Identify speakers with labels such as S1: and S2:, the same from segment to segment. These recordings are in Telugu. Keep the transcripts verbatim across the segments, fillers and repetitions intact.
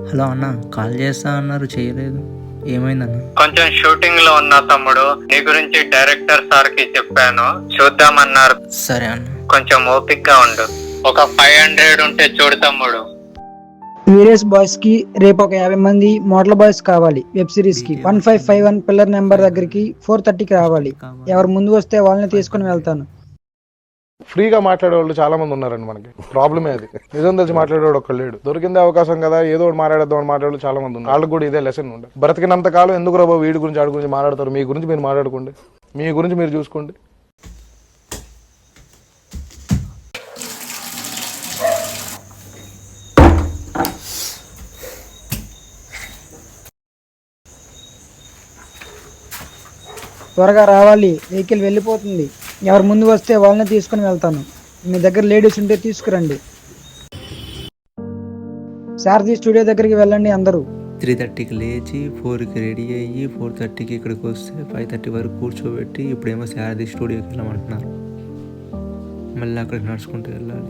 S1: హలో అన్న, కాల్ చేస్తా అన్నారు చేయలేదు, ఏమైందన్న?
S2: కొంచెం షూటింగ్ లో ఉన్నా తమ్ముడు, నీ గురించి డైరెక్టర్ సార్ కి చెప్పాను, చూద్దామన్నారు.
S1: సరే అన్న.
S2: కొంచెం ఓపిక్ గా ఉండు. ఒక ఫైవ్ హండ్రెడ్ ఉంటే చూడు తమ్ముడు.
S3: వీరియస్ బాయ్స్ కి రేపు ఒక యాభై మంది మోడల్ బాయ్స్ కావాలి. వెబ్ సిరీస్ కి one five five one pillar number దగ్గరికి ఫోర్ థర్టీకి రావాలి. ఎవరు ముందు వస్తే వాళ్ళని తీసుకుని వెళ్తాను.
S4: ఫ్రీగా మాట్లాడేవాళ్ళు చాలా మంది ఉన్నారండి. మనకి ప్రాబ్లమే అది. నిజం తెలిసి మాట్లాడేవాడు ఒక్కడు లేడు. దొరికిందే అవకాశం కదా, ఏదో ఒకటి మాట్లాడేద్దాం అని మాట్లాడే చాలా మంది ఉన్నారు. వాళ్ళకి కూడా ఇదే లెసన్ ఉండే. బ్రతికినంత కాలం ఎందుకు రాబో వీడి గురించి ఆడి గురించి మాట్లాడతారు. మీ గురించి మీరు మాట్లాడుకోండి, మీ గురించి మీరు చూసుకోండి.
S3: త్వరగా రావాలి, వెహికల్ వెళ్ళిపోతుంది. ఎవరు ముందు వస్తే వాళ్ళని తీసుకుని వెళ్తాను. మీ దగ్గర లేడీస్ ఉంటే తీసుకురండి. సారథి స్టూడియో దగ్గరికి వెళ్ళండి అందరూ.
S1: త్రీ థర్టీకి లేచి ఫోర్కి రెడీ అయ్యి ఫోర్ థర్టీకి ఇక్కడికి వస్తే ఫైవ్ థర్టీ వరకు కూర్చోబెట్టి ఇప్పుడేమో సారథి స్టూడియోకి వెళ్ళమంటున్నారు. మళ్ళీ అక్కడికి నడుచుకుంటూ వెళ్ళాలి.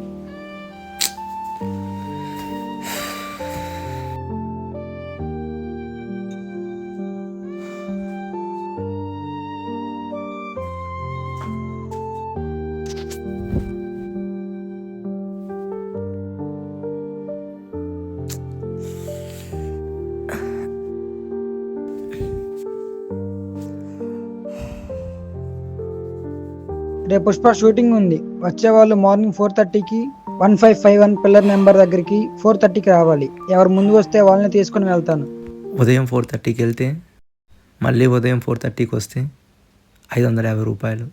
S3: రేపు పుష్ప షూటింగ్ ఉంది. వచ్చే వాళ్ళు మార్నింగ్ ఫోర్ థర్టీకి one five five one pillar number దగ్గరికి ఫోర్ థర్టీకి రావాలి. ఎవరు ముందు వస్తే వాళ్ళని తీసుకుని వెళ్తాను.
S1: ఉదయం ఫోర్ థర్టీకి వెళ్తే మళ్ళీ ఉదయం ఫోర్ థర్టీకి వస్తే ఐదు వందల యాభై రూపాయలు.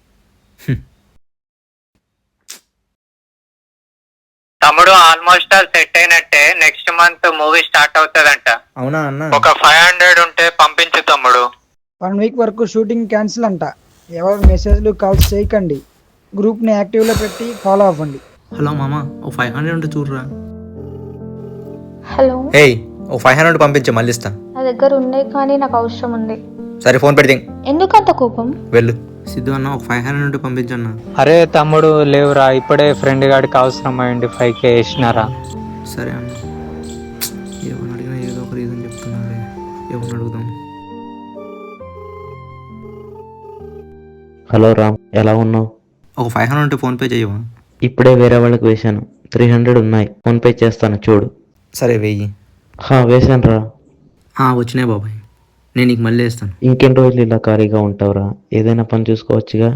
S2: తమ్ముడు ఆల్మోస్ట్ ఆల్ సెట్ అయినట్టే. నెక్స్ట్ మంత్ మూవీ స్టార్ట్ అవుతుందంట.
S1: అవునా అన్న?
S2: ఒక ఫైవ్ హండ్రెడ్ ఉంటే పంపించు తమ్ముడు.
S3: వన్ వీక్ వరకు షూటింగ్ క్యాన్సిల్ అంట. ఎవరు మెసేజ్లు కాల్స్ చేయకండి. గ్రూప్ని యాక్టివ్లో పెట్టి ఫాలో అవ్వండి.
S1: హలో మామ, ఓ ఫైవ్ హండ్రెడ్ ఉంటే చూడరా.
S5: హలో,
S1: ఏయ్ ఓ ఫైవ్ హండ్రెడ్ పంపించే మళ్ళీ ఇస్తా.
S5: నా దగ్గర ఉన్నాయి కానీ నాకు అవసరం ఉంది.
S1: సరే ఫోన్ పెడితే
S5: ఎందుకంత కోపం?
S1: వెళ్ళు. సిద్ధు అన్న, ఒక ఫైవ్ హండ్రెడ్ ఉంటే పంపించన్నా.
S6: అరే తమ్ముడు లేవురా, ఇప్పుడే ఫ్రెండ్ గాడికి అవసరం అయ్యండి ఫైవ్ కే వేసినారా.
S1: సరే అన్న. ఎవరిని అడిగినా ఏదో ఒక రీజన్ చెప్తున్నారే, ఎవరిని అడుగుదాం.
S7: హలో రామ్, ఎలా ఉన్నావు?
S1: ఒక ఫైవ్ హండ్రెడ్ ఉంటే ఫోన్పే చేయవా?
S7: ఇప్పుడే వేరే వాళ్ళకి వేశాను. త్రీ హండ్రెడ్ ఉన్నాయి, ఫోన్పే చేస్తాను చూడు.
S1: సరే వెయ్యి.
S7: హా వేశాను రా.
S1: వచ్చినాయి బాబాయ్, నేను నీకు మళ్ళీ వేస్తాను.
S7: ఇంకెన్ని రోజులు ఇలా ఖాళీగా ఉంటావురా? ఏదైనా పని చూసుకోవచ్చుగా.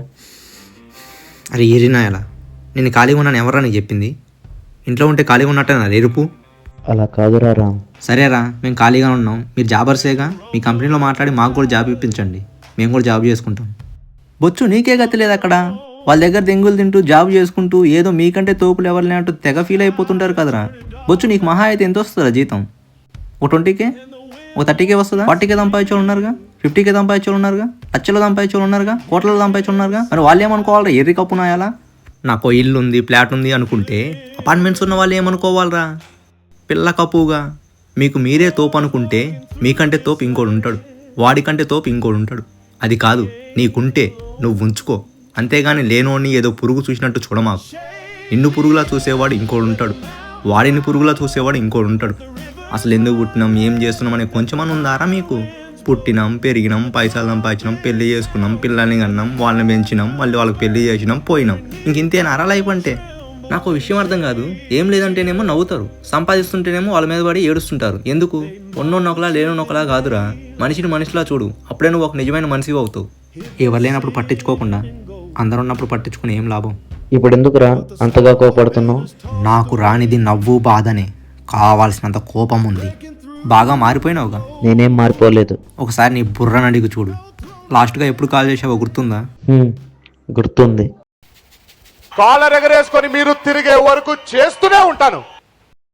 S1: అరే ఏరినా ఎలా, నేను ఖాళీగా ఉన్నాను ఎవరా నీకు చెప్పింది? ఇంట్లో ఉంటే ఖాళీగా ఉన్నట్టే నా రేపు.
S7: అలా కాదురా రామ్.
S1: సరేరా, మేము ఖాళీగా ఉన్నాం, మీరు జాబర్సేగా, మీ కంపెనీలో మాట్లాడి మాకు కూడా జాబ్ ఇప్పించండి, మేము కూడా జాబ్ చేసుకుంటాం. బొచ్చు నీకే గతి లేదు అక్కడ. వాళ్ళ దగ్గర దెంగులు తింటూ జాబ్ చేసుకుంటూ ఏదో మీకంటే తోపులు ఎవరిని అంటూ తెగ ఫీల్ అయిపోతుంటారు కదరా. బొచ్చు నీకు మహా అయితే ఎంత వస్తుందా జీతం? ఓ ట్వంటీకే, ఓ థర్టీకే వస్తుందా? ఫార్టీకే సంపాదించోళ్ళు ఉన్నారుగా, ఫిఫ్టీకే సంపాదించోళ్ళు ఉన్నారుగా, లక్షలు సంపాదించోళ్ళు ఉన్నారుగా, కోట్లలో సంపాదించోళ్ళు ఉన్నారుగా. మరి వాళ్ళు ఏమనుకోవాలరా? ఎర్రి కప్పునాయాలా? నాకు ఇల్లు ఉంది, ఫ్లాట్ ఉంది అనుకుంటే అపార్ట్మెంట్స్ ఉన్న వాళ్ళు ఏమనుకోవాలరా? పిల్ల కప్పుగా మీకు మీరే తోపు అనుకుంటే మీకంటే తోపు ఇంకోడు ఉంటాడు, వాడికంటే తోపు ఇంకోడు ఉంటాడు. అది కాదు, నీకుంటే నువ్వు ఉంచుకో, అంతేగాని లేనోడిని ఏదో పురుగు చూసినట్టు చూడమాకు. నిన్ను పురుగులా చూసేవాడు ఇంకోడు ఉంటాడు, వాడిని పురుగులా చూసేవాడు ఇంకోడు ఉంటాడు. అసలు ఎందుకు పుట్టినాం, ఏం చేస్తున్నాం అనే కొంచెమని ఉందారా మీకు? పుట్టినాం, పెరిగినాం, పైసలు సంపాదించినాం, పెళ్లి చేసుకున్నాం, పిల్లల్ని కన్నాం, వాళ్ళని పెంచినాం, మళ్ళీ వాళ్ళకి పెళ్లి చేసినాం, పోయినాం. ఇంకింతేనా లైఫ్ అంటే? నాకు విషయం అర్థం కాదు. ఏం లేదంటేనేమో నవ్వుతారు, సంపాదిస్తుంటేనేమో వాళ్ళ మీద పడి ఏడుస్తుంటారు. ఎందుకు? ఉన్నోన్నొకలా లేనొకలా కాదురా, మనిషిని మనిషిలా చూడు, అప్పుడే నువ్వు ఒక నిజమైన మనిషి అవుతావు. ఎవరు లేనప్పుడు పట్టించుకోకుండా అందరు ఉన్నప్పుడు పట్టించుకుని ఏం లాభం?
S7: ఇప్పుడు ఎందుకురా అంతగా కోపడుతున్నావు?
S1: నాకు రానిది నవ్వు బాధనే, కావాల్సినంత కోపం ఉంది. బాగా మారిపోయినావుగా.
S7: నేనేం మారిపోలేదు.
S1: ఒకసారి నీ బుర్రని అడిగి చూడు. లాస్ట్గా ఎప్పుడు కాల్ చేసావో గుర్తుందా?
S7: గుర్తుంది.
S4: కాలర్ ఎగరేసుకొని మీరు తిరిగే వరకు చేస్తూనే ఉంటాను.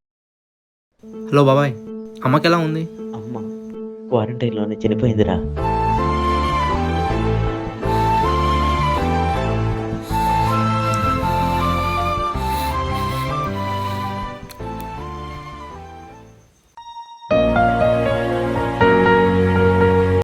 S1: హలో బాబాయ్, అమ్మకి ఎలా ఉంది?
S7: అమ్మ క్వారంటైన్లోనే చనిపోయిందిరా.